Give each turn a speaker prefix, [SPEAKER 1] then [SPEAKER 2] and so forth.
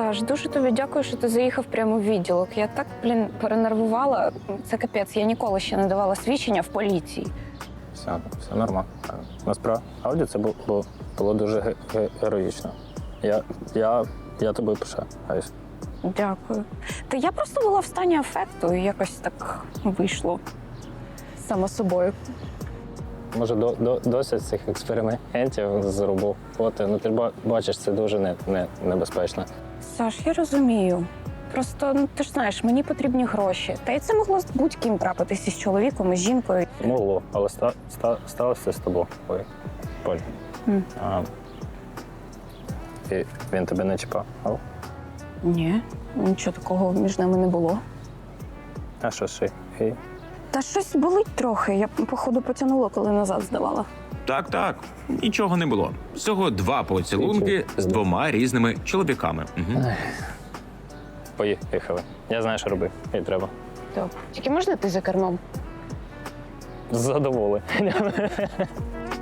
[SPEAKER 1] Саш, дуже тобі дякую, що ти заїхав прямо в відділок. Я так, перенервувала. Це капець, я ніколи ще не давала свідчення в поліції.
[SPEAKER 2] Все нормально. Насправді це було дуже героїчно. Я тобою пишаюсь.
[SPEAKER 1] Дякую. Та я просто була в стані афекту і якось так вийшло. Само собою.
[SPEAKER 2] Може, досить цих експериментів з роботи. Ну, ти бачиш, це дуже небезпечно.
[SPEAKER 1] Саш, я розумію. Просто, ти ж знаєш, мені потрібні гроші. Та й це могло з будь-ким трапитися з чоловіком, і з жінкою.
[SPEAKER 2] Могло, але сталося з тобою. Ой, Поль. Він тебе не чіпав?
[SPEAKER 1] Ні, нічого такого між нами не було.
[SPEAKER 2] А що ж?
[SPEAKER 1] Та щось болить трохи. Я, походу, потягнула, коли назад здавала.
[SPEAKER 3] Так, нічого не було. Всього 2 поцілунки з 2 різними чоловіками. Угу.
[SPEAKER 2] Поїхали. Я знаю, що робити. І треба.
[SPEAKER 1] Добре. Тільки можна ти за кермом?
[SPEAKER 2] Задоволений.